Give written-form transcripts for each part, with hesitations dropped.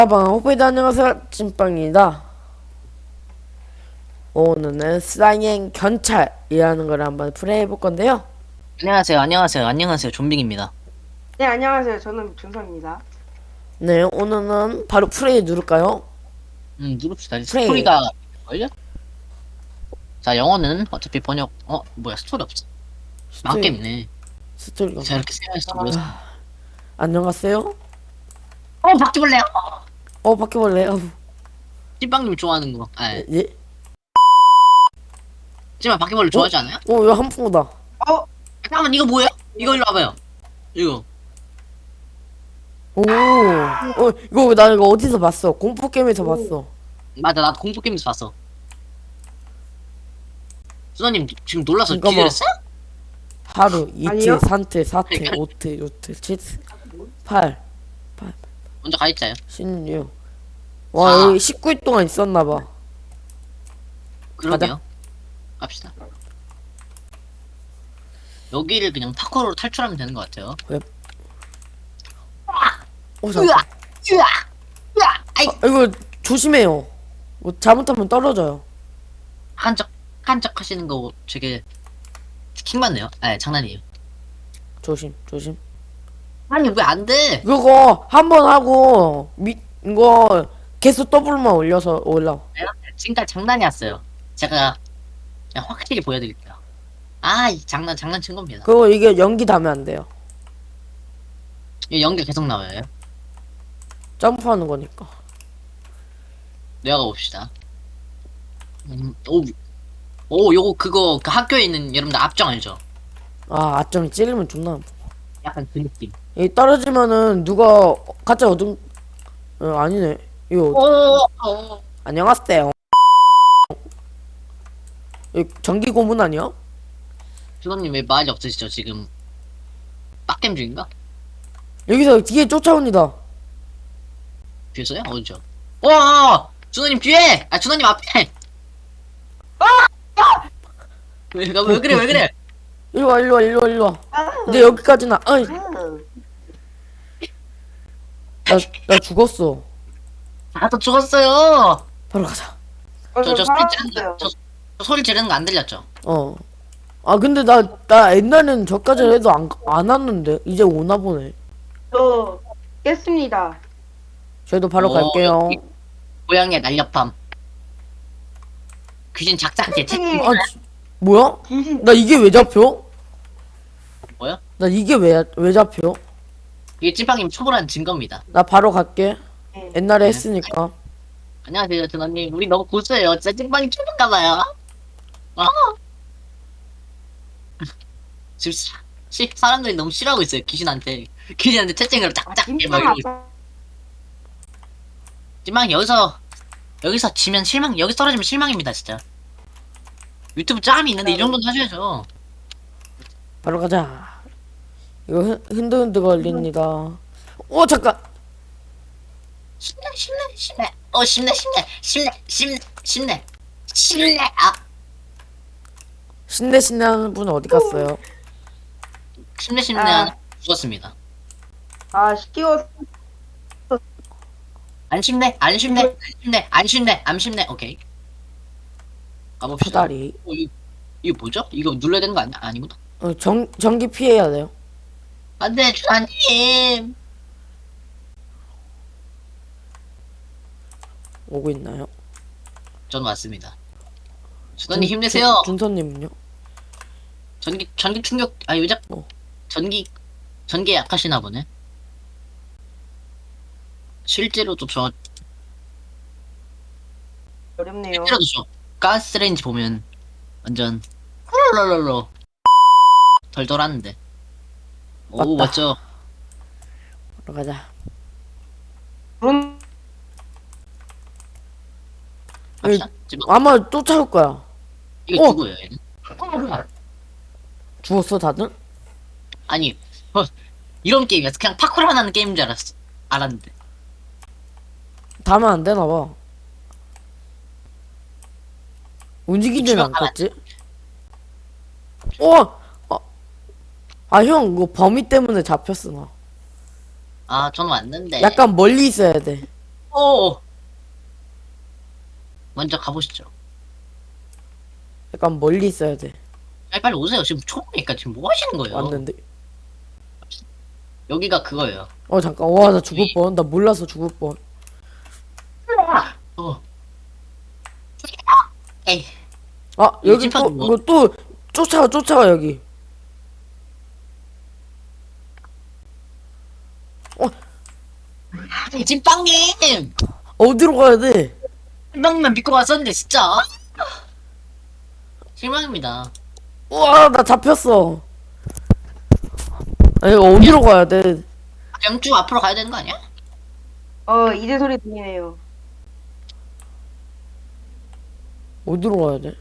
호프이드 안녕하세요, 찐빵입니다. 오늘은 슬라이행 견찰이라는 걸 한번 플레이해볼 건데요. 안녕하세요. 좀빙입니다. 네, 안녕하세요. 저는 준성입니다. 네, 오늘은 바로 플레이 누를까요? 누릅시다. 플레이. 스토리가 걸려? 자, 영어는 어차피 번역, 뭐야, 스토리 없어. 망게임이네. 스토리가. 제가 이렇게 생각했어. 뭐였어? 안녕하세요? 바퀴벌레요! 바퀴벌레요. 찐빵님 좋아하는 거. 예? 찐빵 바퀴벌레 좋아하지 않아요? 이거 한풍구다. 어, 잠깐만, 이거 뭐야? 이거 일로 와봐요. 이거. 이거 나 이거 어디서 봤어? 공포게임에서 봤어. 맞아, 나도 공포게임에서 봤어. 수다님 지금 놀라서 잠깐만. 기절했어? 하루, 이틀, 아니요. 삼틀, 사틀, 오틀, 육틀, 칠틀, 8, 먼저 가있자요. 16. 와, 여기 19일 동안 있었나봐. 그러게요. 갑시다. 여기를 그냥 파커로 탈출하면 되는 것 같아요. 잠깐. 아이! 이거 조심해요. 뭐 잘못하면 떨어져요. 한적 하시는 거 되게 킹받네요. 장난이에요. 조심. 아니, 왜 안 돼? 그거 한 번 하고 이거 계속 더블만 올려서 올라. 지금까지 장난이었어요. 제가 그냥 확실히 보여드릴게요. 이 장난친 겁니다. 그거 이게 연기 닿으면 안 돼요. 이 연결 계속 나와요. 점프하는 거니까. 내려가 봅시다. 요거 그거 그 학교에 있는 여러분들 앞정 알죠? 앞점이 찔리면 존나. 약간 그 느낌. 이 떨어지면은 누가 가짜 아니네. 이거 안녕하세요. 이 전기 고문 아니야? 주선님 왜 말이 없으시죠 지금? 빡겜 중인가? 여기서 뒤에 쫓아옵니다. 뒤에서요? 어디죠? 준호님 뒤에! 준호님 앞에! 왜 그래? 일로 와. 근데 여기까지나. 나 죽었어. 또 죽었어요! 바로 가자. 저 살았어요. 소리 지르는 거 안 들렸죠? 근데 나 옛날에는 저까지 해도 안 왔는데 이제 오나 보네. 저 깼습니다. 저희도 바로 갈게요. 고양이의 날렵함. 귀신 작작제 채팅. 뭐야? 귀신. 나 이게 왜 잡혀? 뭐야? 나 이게 왜 잡혀? 이게 찐빵님 초보라는 증거입니다. 나 바로 갈게. 네. 옛날에 했으니까. 안녕하세요, 준호님. 우리 너무 고수예요. 진짜 찐빵이 초보인가봐요. 지금 사람들이 너무 싫어하고 있어요. 귀신한테 채팅으로 짝짝 막 이러고 있어요. 찐빵 여기서 지면 여기서 떨어지면 실망입니다, 진짜. 유튜브 짬이 있는데 이 정도는 하셔야죠. 바로 가자. 이거 흔들흔들 걸립니다. 잠깐. 쉽네. 신내 하는 분은 어디 갔어요? 쉽네 하나 죽었습니다. 시키워. 안 쉽네. 오케이. 가봅시다. 사다리. 이거 뭐죠? 이거 눌러야 되는 거 아니구나. 전기 피해야 돼요. 안돼, 주사님. 오고 있나요? 전 왔습니다. 주사님 힘내세요. 준선님은요? 전기 충격, 왜 자꾸 전기에 약하시나 보네. 실제로도 어렵네요. 가스레인지 보면 완전 훌롤롤로 덜덜 하는데. 오, 맞다. 맞죠? 바로 가자. 그런 갑시다. 지금 아마 쫓아올 거야. 이거 누구예요, 얘는? 죽었어 다들? 아니, 이런 게임이었어. 그냥 파쿠르 하는 게임인 줄 알았는데. 닿으면 안 되나 봐. 움직이지는 주먹 않겠지? 형, 그거 범위 때문에 잡혔어, 나. 저는 왔는데. 약간 멀리 있어야 돼. 오. 먼저 가보시죠. 약간 멀리 있어야 돼. 빨리 오세요. 지금 초보니까 지금 뭐 하시는 거예요? 왔는데. 여기가 그거예요. 잠깐. 와, 나 죽을 뻔. 나 몰라서 죽을 뻔. 어. 에이. 여기 찐빵 또 뭐? 이거 또 쫓아가 여기. 찐빵님! 어디로 가야 돼? 찐빵만 믿고 왔었는데 진짜. 실망입니다. 우와, 나 잡혔어. 이거 어디로 가야 돼? 영주 앞으로 가야 되는 거 아니야? 이제 소리 들리네요. 어디로 가야 돼?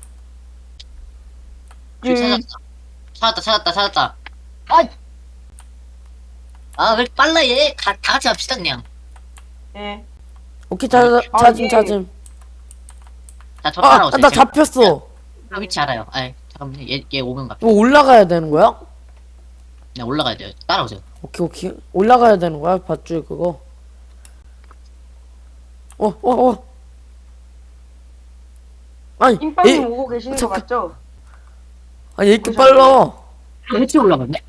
저기 찾았다. 왜 빨라 얘? 다 같이 합시다 그냥. 네. 오케이, 예. 찾음. 자, 저 따라오세요. 나 제가 잡혔어. 위치 알아요. 잠깐만요. 얘 오면 갑시다. 이거 올라가야 되는 거야? 그냥 올라가야 돼요. 따라오세요. 오케이. 올라가야 되는 거야, 밧줄 그거. 아니, 찐빵님 오고 계시는 거 잠깐. 맞죠? 아니, 이렇게 빨라. 어떻게 올라갔네?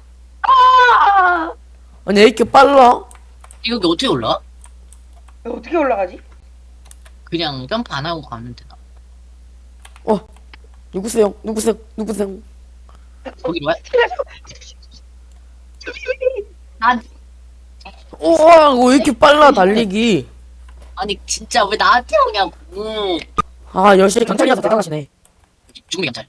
아니, 이렇게 빨라. 여기 어떻게 올라가? 어떻게 올라가지? 그냥 점프 안 하고 가면 되나? 누구세요? 거기로 와? 난 우와, 왜 이렇게 빨라, 달리기. 아니 진짜 왜 나한테 오냐고. 열심히 경찰이라서 대단하시네. 죽음의 경찰.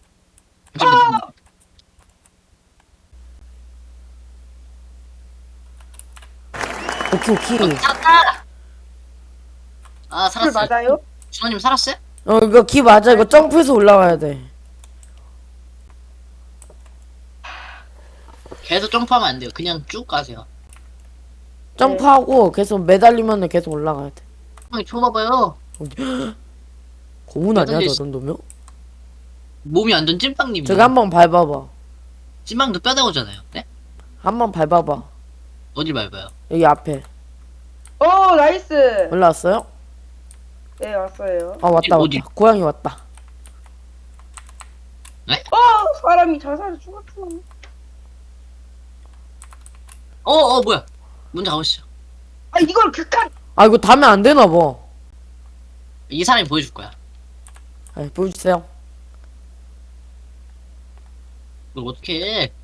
오케이. 살았다. 술 살았어요. 맞아요? 준호님 살았어요? 이거 기 맞아. 이거 점프해서 올라가야 돼. 계속 점프하면 안 돼요. 그냥 쭉 가세요. 점프하고 계속 매달리면 계속 올라가야 돼. 형이 줘봐봐요. 고문 아니야, 매달릴 저 수- 정도면? 몸이 완전 찐빵님이야. 저기 한번 밟아봐. 찐빵도 뼈 나오잖아요. 네? 한번 밟아봐. 어딜 밟아요? 여기 앞에. 나이스. 올라왔어요? 네, 왔어요. 왔다. 어디? 고양이 왔다. 사람이 자살을 죽었어. 뭐야? 먼저 가보시죠. 이걸 극한. 이거 닿으면 안 되나 봐. 이 사람이 보여줄 거야. 보여주세요. 이걸 어떻게 해?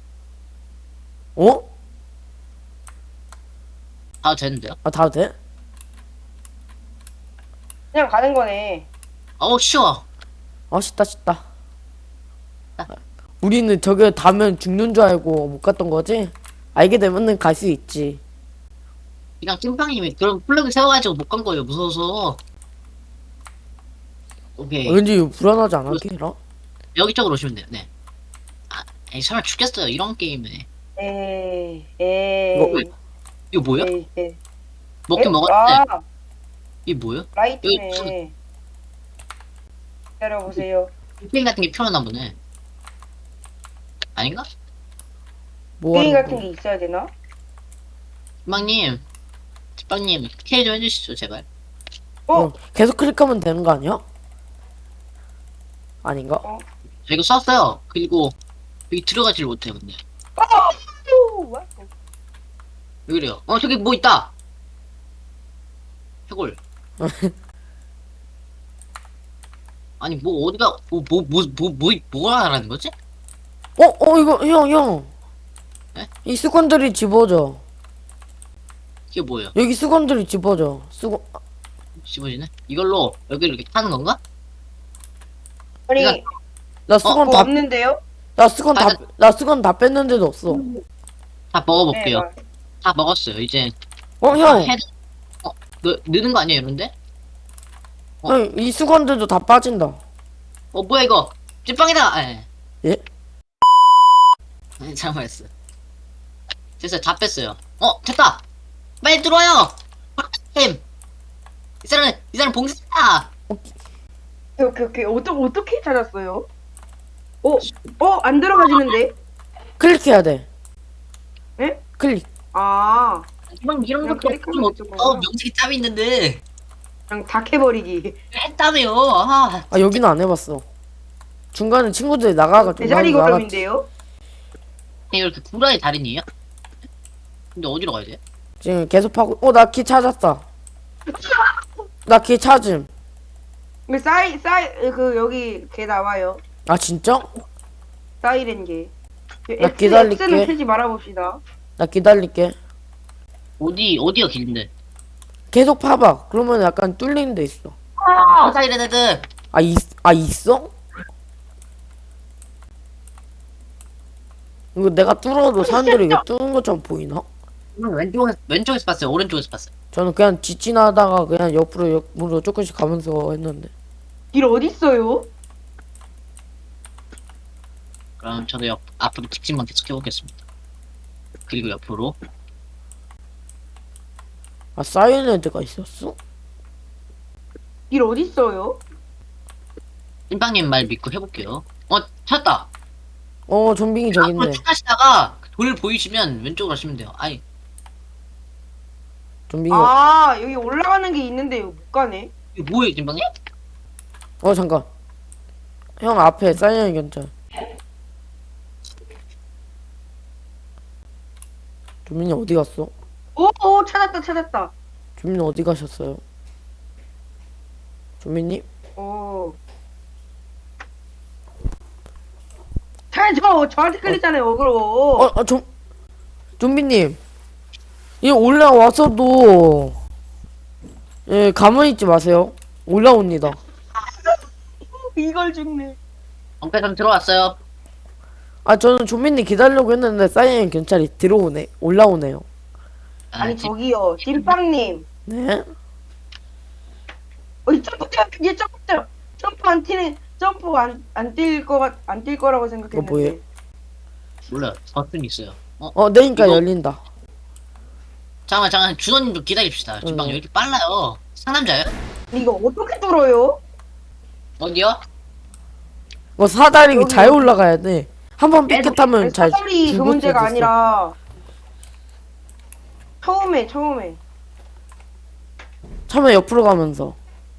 다 되는데요? 닿아도 돼? 그냥 가는 거네. 쉬워. 쉽다. 우리는 저게 닿으면 죽는 줄 알고 못 갔던 거지? 알게 되면은 갈 수 있지. 그냥 찐빵님이 그런 플래그 세워가지고 못 간 거예요. 무서워서. 오케이. 왠지 불안하지 않아, 걔라? 여기 쪽으로 오시면 돼요. 네. 설마 죽겠어요. 이런 게임에. 이거 뭐야? 먹긴 먹었는데. 이게 뭐야? 라이트네. 기다려보세요. 게임 같은 게 필요하나 보네. 아닌가? 뭐 게임 하는 같은 거야? 게 있어야 되나? 찐빵님, K 좀 해주시죠, 제발. 계속 클릭하면 되는 거 아니야? 아닌가? 저 이거 썼어요. 그리고 여기 들어가지를 못해요, 근데. 왜 그래요? 저기 뭐 있다! 해골. 아니, 뭐, 어디가, 뭐가 하라는 거지? 이거, 형. 네? 이 수건들이 집어져. 이게 뭐예요? 여기 수건들이 집어져. 씹어지네? 이걸로 여기를 이렇게 타는 건가? 아니, 이건- 나 수건 그거 다, 없는데요? 나 수건 다 뺐는데도 없어. 다 먹어볼게요. 네, 다 먹었어요, 이제. 형. 느는 거 아니에요, 이런데? 형, 이 수건들도 다 빠진다. 뭐야, 이거? 찐빵이다! 예? 잘못했어. 됐어요, 다 뺐어요. 됐다! 빨리 들어와요! 햄! 이 사람 봉사다! 오케이. 어떻게 찾았어요? 안 들어가지는데? 클릭해야 돼. 예? 클릭. 아, 이런 그냥 것도 클릭하면 없고, 되죠, 뭐. 명색이 짭이 있는데. 그냥 다 캐버리기. 했다며요. 아, 아 여기는 안 해봤어. 중간에 친구들이 나가가지고 대자리 나도 나갔지. 걸음인데요? 이렇게 구라의 달인이에요? 근데 어디로 가야 돼? 지금 계속 파고. 나 키 찾았다. 나 키 찾음. 그 그 여기 개 나와요. 아 진짜? 사이렌 개. 나 기다릴게. X는 캐지 말아봅시다. 나 기다릴게. 어디가 길인데? 계속 파봐. 그러면 약간 뚫리는 데 있어. 사이렌헤드. 있어? 이거 내가 뚫어도 사람들이 이거 뚫은 것처럼 보이나? 왼쪽에서 봤어요. 오른쪽에서 봤어요. 저는 그냥 지나다가 그냥 옆으로 조금씩 가면서 했는데. 길 어딨어요? 그럼 저도 앞으로 직진만 계속 해보겠습니다. 그리고 옆으로. 아 사이렌드가 있었어? 길 어딨어요? 찐빵님 말 믿고 해볼게요. 찾았다. 좀빙이 저긴데. 앞으로 쭉 가시다가 돌 보이시면 왼쪽으로 가시면 돼요. 아니, 좀빙이. 아, 여기 올라가는 게 있는데 여기 못 가네. 이거 뭐예요, 찐빵님? 잠깐. 형 앞에 사이렌 견찰. 좀빙이 어디 갔어? 오, 찾았다. 좀빙이 어디 가셨어요? 좀빙님? 오. 저한테 끌리잖아요, 어그로. 좀비님, 이 올라와서도, 예, 가만히 있지 마세요. 올라옵니다. 이걸 죽네. 엉패선 들어왔어요. 저는 좀비님 기다리려고 했는데, 사이렌 경찰이 올라오네요. 아니, 저기요, 찐빵님. 네? 점프 안 뛰는, 안 뛸 거라고 생각했는데. 뭐예요? 몰라요. 버튼이 있어요. 내니까 이거- 열린다. 잠깐만, 준호님도 기다립시다. 찐빵 왜 이렇게 빨라요? 상남자예요? 이거 어떻게 뚫어요? 어디요? 사다리 여기, 잘 여기. 올라가야 돼. 한 번 삐끗하면 잘 사다리 그 죽을 문제가 수도 있어. 아니라 처음에 처음에 옆으로 가면서.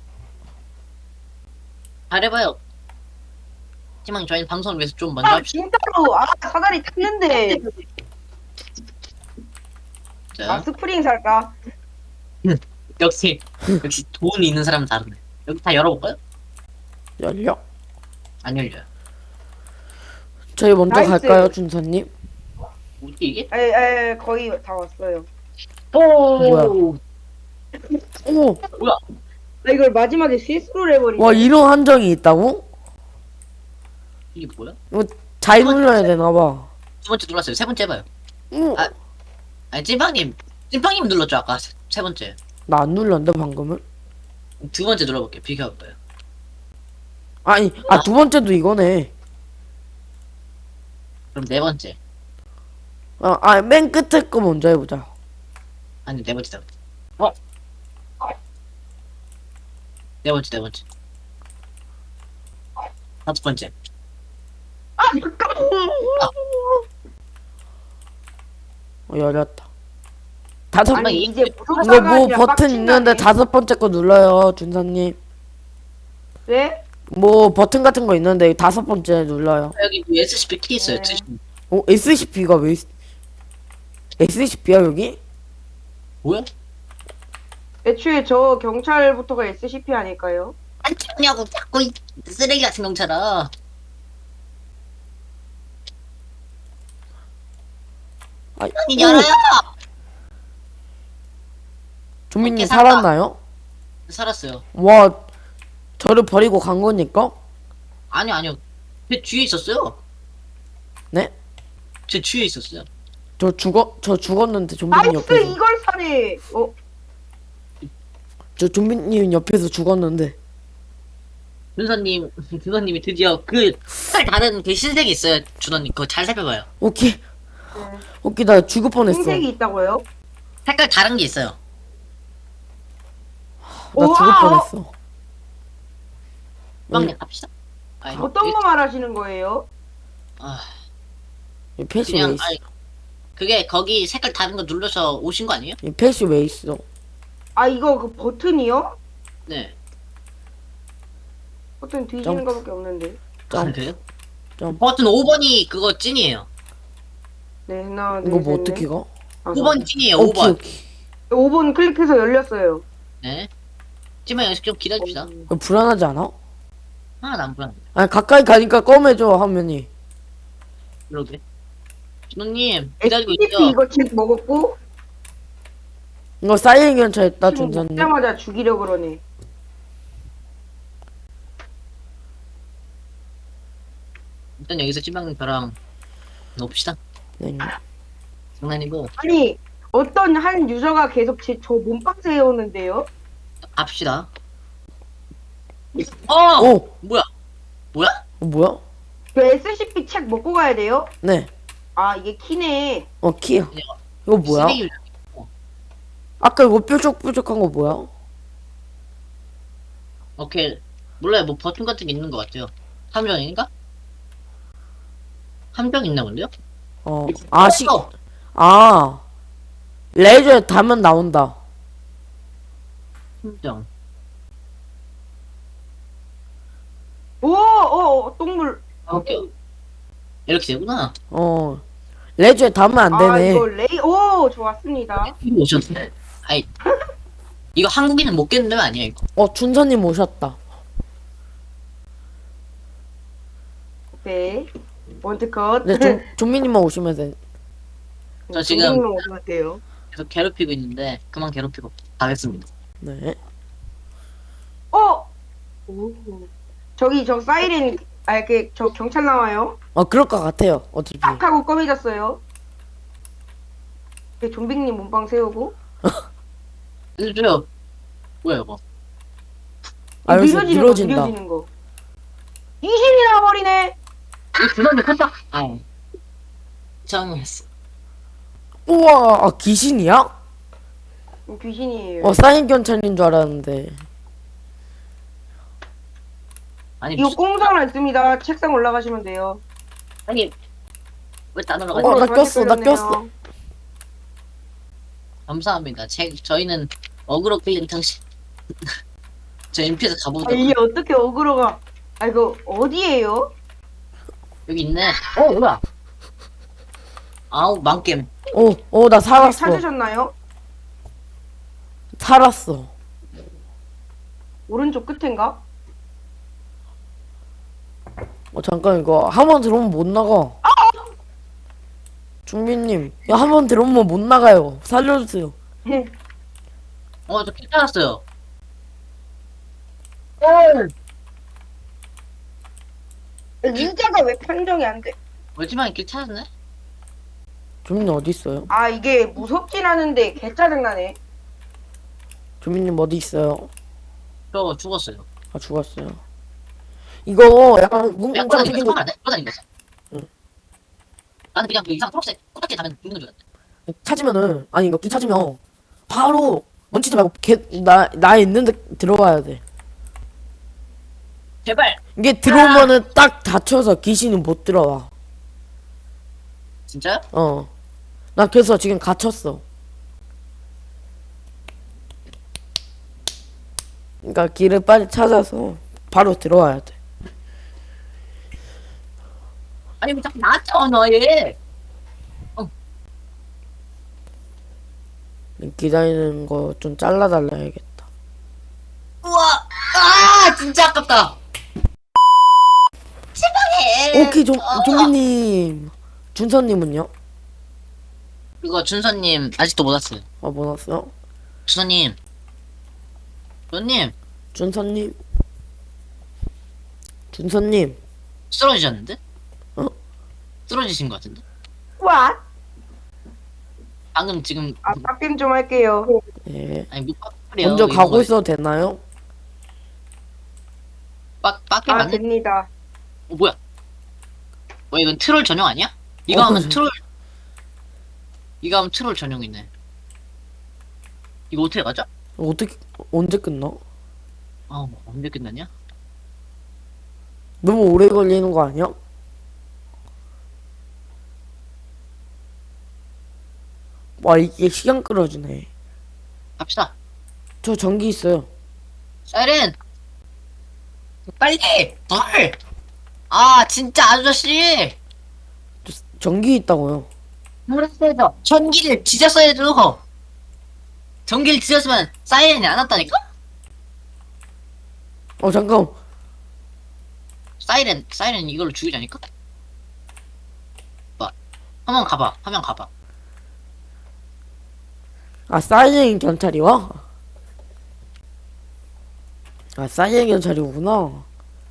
잘해봐요. 찐빵님 저희는 방송을 위해서 좀 먼저 합시다. 진짜로 사다리 탔는데 자, 스프링 살까? 역시 돈이 있는 사람은 다르네. 여기 다 열어볼까요? 열려? 안 열려요. 저희 먼저 나이스. 갈까요, 준서님? 뭐지 이게? 에 거의 다 왔어요. 뭐야? 어머, 나 이걸 마지막에 실수를 해버리네. 와, 이런 함정이 있다고? 이게 뭐야? 잘 눌러야 되나봐. 두 번째 눌렀어요. 세 번째 해봐요. 어, 아니 찐빵님 눌렀죠 아까 세 번째. 나 안 눌렀는데, 방금은? 두 번째 눌러볼게요. 비켜볼까요? 두 번째도 이거네. 그럼 네 번째. 맨 끝에 거 먼저 해보자. 아니 네 번째. 네 번째. 다섯 번째. 열렸다. 다섯 번. 아니 이제 무슨 이거 뭐 상관이야, 버튼 빡친다네. 있는데 다섯 번째 거 눌러요, 준서님. 왜? 뭐 버튼 같은 거 있는데 다섯 번째 눌러요. 여기 SCP 키 있어요. 네. SCP가 왜 SCP야 여기? 뭐야? 애초에 저 경찰부터가 SCP 아닐까요? 안 찍냐고 자꾸 이 쓰레기 같은 경찰아. 아니, 이 열어요. 조민님 오케이, 살았다. 살았나요? 살았어요. 와, 저를 버리고 간 거니까? 아니요. 제 뒤에 있었어요. 네? 제 뒤에 있었어요. 저 죽었는데 좀비님 나이스 옆에서. 이걸 사네. 저 좀비님 옆에서 죽었는데. 준서님이 드디어 그 색깔 다른 그 흰색이 있어요. 준호님 그거 잘 살펴봐요. 오케이, 나 죽을 뻔했어. 흰색이 있다고요? 색깔 다른 게 있어요. 나 죽을 우와! 뻔했어. 빵님 갑시다. 아니, 어떤 거 말하시는 거예요? 이 패시 왜 그냥 있어? 그게 거기 색깔 다른 거 눌러서 오신 거 아니에요? 이 패시 왜 있어? 이거 그 버튼이요? 네. 버튼 뒤지는 거밖에 없는데. 아, 그래요? 점. 버튼 5번이 그거 찐이에요. 네, 하나, 이거 둘, 뭐 셋, 어떻게 넷. 가? 다섯. 5번 찐이에요, 오케이 5번. 오케이. 5번 클릭해서 열렸어요. 네. 찜만 여기서 좀 기다립시다. 이거 불안하지 않아? 아, 난 불안. 아니 가까이 가니까 검해져 화면이. 그러게. 준호님, 기다리고 SCP 있죠? 이거 책 먹었고 이거 사이렌 견차했다 지금 준사님. 먹자마자 죽이려 그러네. 일단 여기서 찜방님 저랑 놉시다. 네. 장난이고, 아니 어떤 한 유저가 계속 저 몸빵 세우는데요? 갑시다. 어! 오! 뭐야? 뭐야? 뭐야? 그 SCP 책 먹고 가야 돼요? 네. 아 이게 키네. 키야. 이거 뭐야? 쓰레기 아까 이거 뾰족뾰족한 거 뭐야? 오케이. 몰라요. 뭐 버튼 같은 게 있는 것 같아요. 함정인가? 함정 있나 본데요? 아. 레이저에 닿으면 나온다. 함정. 오, 동물. 아, 오케이. 이렇게 되구나. 레이저에 닿으면 안 아 되네. 이거 오 좋았습니다. 이거 오셨네. 아이. 이거 한국인은 못 깨는 데가 아니야, 이거. 준사님 오셨다. 오케이. 원트컷. 네, 좀비님만 오시면 돼. 저 지금- 어떡해요? 계속 괴롭히고 있는데, 그만 괴롭히고 가겠습니다. 네. 오. 저기 저 사이렌 저 경찰 나와요. 그럴 것 같아요. 어차피. 딱 하고 꺼매졌어요. 좀비님 몸빵 세우고. 알려줘요. 뭐야, 이거? 여기서 느려지는 늘어진다. 거, 느려지는 거. 귀신이 나와버리네. 이거 주사님 컸다. 아, 이상했어. 우와, 귀신이야? 귀신이에요. 사인 견찰인 줄 알았는데. 아니, 이거 공상 안 씁니다. 책상 올라가시면 돼요. 아니, 왜 다 나 올라가지? 꼈어, 나 꼈어. 감사합니다. 저희는 어그로 끌린 당신. 저 MP에서 가보자. 이게 어떻게 어그로가? 이거 어디에요? 여기 있네. 뭐야? 아우, 망겜. 나 살았어. 찾으셨나요? 살았어. 오른쪽 끝인가? 잠깐 이거 한 번 들어오면 못 나가. 준비님, 한 번 들어오면 못 나가요. 살려주세요. 저 괜찮았어요. 진짜가 왜 판정이 안 돼? 멀지만 길 찾았네? 준비님 어디 있어요? 이게 무섭진 않은데 개 짜증나네. 준비님 어디 있어요? 저 죽었어요. 죽었어요. 이거 약간 야, 뭉뭉 꼬다니는 생긴 거지? 거 안 돼? 꼬다니는 거지? 응. 나는 그냥 그 이상 초록색 코딱지 다면 죽는 줄 알았대. 찾으면은 이거 길 찾으면 바로 멈추지 말고 나 있는데 들어가야 돼. 제발! 이게 들어오면은 딱 닫혀서 귀신은 못 들어와. 진짜요? 나 그래서 지금 갇혔어. 그러니까 길을 빨리 찾아서 바로 들어와야 돼. 아니, 왜 자꾸 나왔잖아, 얘! 기다리는 거 좀 잘라달라야겠다. 우와! 진짜 아깝다! 제발해! 오케이, 좀비님. 준서님은요? 그거 준서님 아직도 못 왔어요. 뭐 났어요? 준서님. 준서님, 준서님. 준서님. 쓰러지셨는데? 어? 쓰러지신 것 같은데? 와. 방금 지금, 빡겜 좀 할게요. 예. 아니, 뭐, 빡빡이에요. 먼저 이거 가고 있어도 되나요? 빡빡이 맞네? 됩니다. 뭐야? 이건 트롤 전용 아니야? 이거 하면 트롤 전용이네. 이거 어떻게 가죠? 어떻게, 언제 끝나? 언제 끝났냐? 너무 오래 걸리는 거 아니야? 이게 시간 끌어주네. 갑시다. 저 전기 있어요. 사이렌! 빨리! 덜! 아, 진짜 아저씨! 전기 있다고요. 뭐랬어야죠? 전기를 지졌어야죠! 전기를 지졌으면 사이렌이 안 왔다니까? 잠깐. 사이렌 이걸로 죽이자니까? 봐. 한번 가봐. 사이렌 경찰이 와? 사이렌 경찰이 오구나.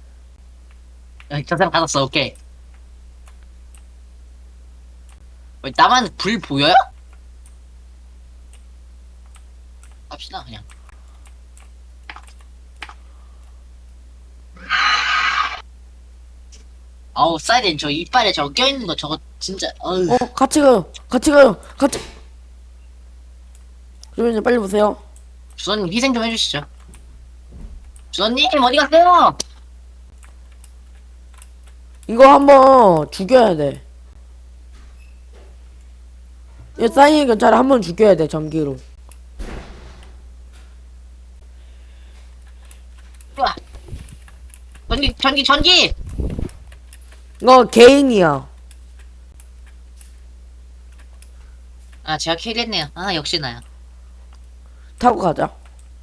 저 사람 받았어, 오케이. 나만 불 보여요? 합시다, 그냥. 아우, 사이렌 저 이빨에 저거 껴있는 거 저거 진짜, 어휴. 같이 가요. 주변님 빨리 보세요. 주선님 희생 좀 해주시죠. 주선님, 어디 가세요? 이거 한번 죽여야 돼. 이 사이렌 경찰을 한번 죽여야 돼, 전기로. 우와. 전기! 이거 개인이야. 아, 제가 킬했네요. 아, 역시 나야. 타고 가자.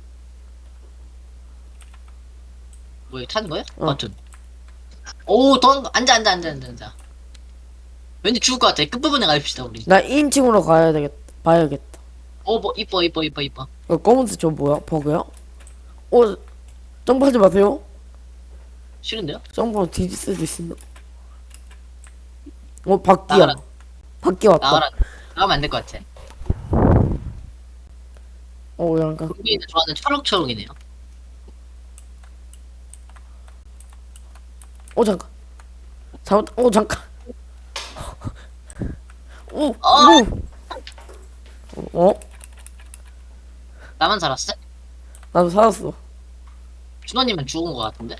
뭐야, 타는 거야? 어. 버튼. 오, 앉아. 왠지 죽을 것 같아. 끝부분에 가입시다, 우리. 나 2인칭으로 가야 되겠다. 봐야겠다. 뭐, 이뻐. 이거 검은색 저 뭐야? 버그야? 점프하지 마세요. 싫은데요? 점프하면 뒤질 수도 있습니다. 바퀴야. 나가라. 바퀴 왔다. 나가면 안 될 것 같아. 약간. 우리는 좋아하는 초록초록이네요. 잠깐. 잠깐. 오, 어! 나만 살았어? 나도 살았어. 준호님은 죽은 것 같은데?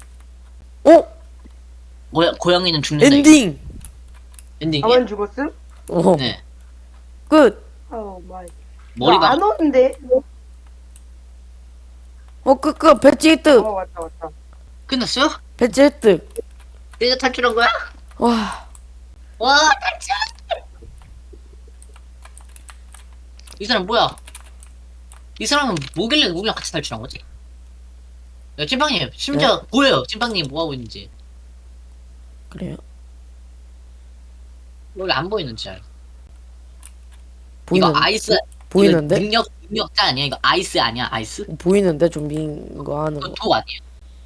오, 고양이는 죽는다. 엔딩. 엔딩이야? 나만 죽었음? 네. 끝. 오 마이. 머리가. 안 오는데? 끝. 배지 획득. 왔다. 끝났어요? 배지 획득. 이제 탈출한 거야? 와, 와, 탈출! 이 사람 뭐야? 이 사람은 뭐길래 우리랑 같이 탈출한 거지? 야, 찐빵님, 심지어 보여요. 찐빵님 뭐하고 있는지. 그래요? 여기 안 보이는지 알. 보이는, 이거 아이스. 보이는데? 이거 능력자 아니야? 이거 아이스 아니야? 아이스? 보이는데 좀비인 거 하는 이거 거. 독 아니야?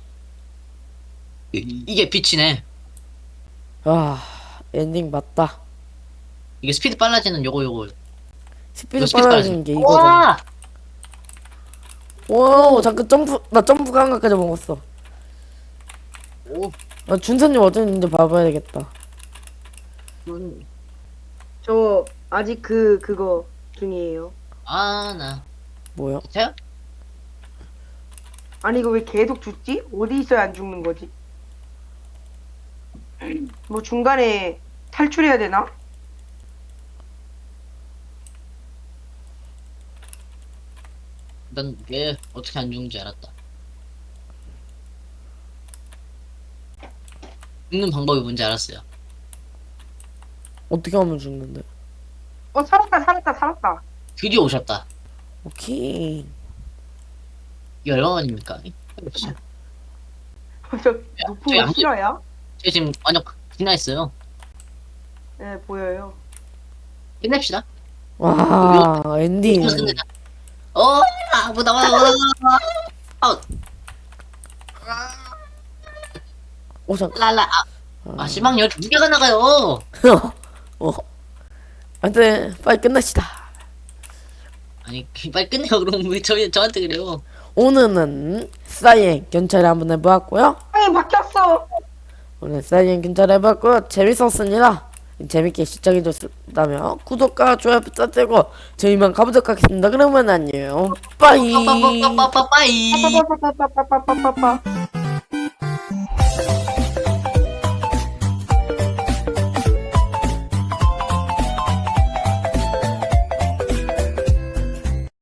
이게 빛이네. 엔딩 맞다. 이게 스피드 빨라지는 요거. 스피드 스피드 빨라지는 게 이거잖아. 와! 와, 잠깐 나 점프 감각까지 먹었어. 오. 준서님 어디 있는지 봐봐야 되겠다. 저 아직 그거 중이에요. 나. 뭐야? 돼요? 아니 이거 왜 계속 죽지? 어디 있어야 안 죽는 거지? 뭐 중간에 탈출해야 되나? 난 얘 어떻게 안 죽는지 알았다. 죽는 방법이 뭔지 알았어요. 어떻게 하면 죽는데? 살았다. 드디어 오셨다. 오케이. 이거 얼마만입니까? 저 높은 저기 거 안 싫어요? 제가 지금 완전 지나했어요. 네 보여요. 끝냅시다. 와, 엔딩. 이거 끝내자. 뭐 나와. 잠깐. 랄라. 실망 12개가 나가요. 안돼, 빨리 끝냅시다. 아니, 빨리 끝내요. 그럼 왜 저한테 그래요? 오늘은 사이엔 경찰을 한번 해보았고요. 아니 바뀌었어. 오늘 사이엔 경찰 해봤고요. 재밌었습니다. 재밌게 시청해줬다면 구독과 좋아요 부탁드리고 저희만 가보도록 하겠습니다. 그러면 안녕. 빠이. 빠빠빠빠빠빠이. 빠빠빠빠빠빠빠빠빠.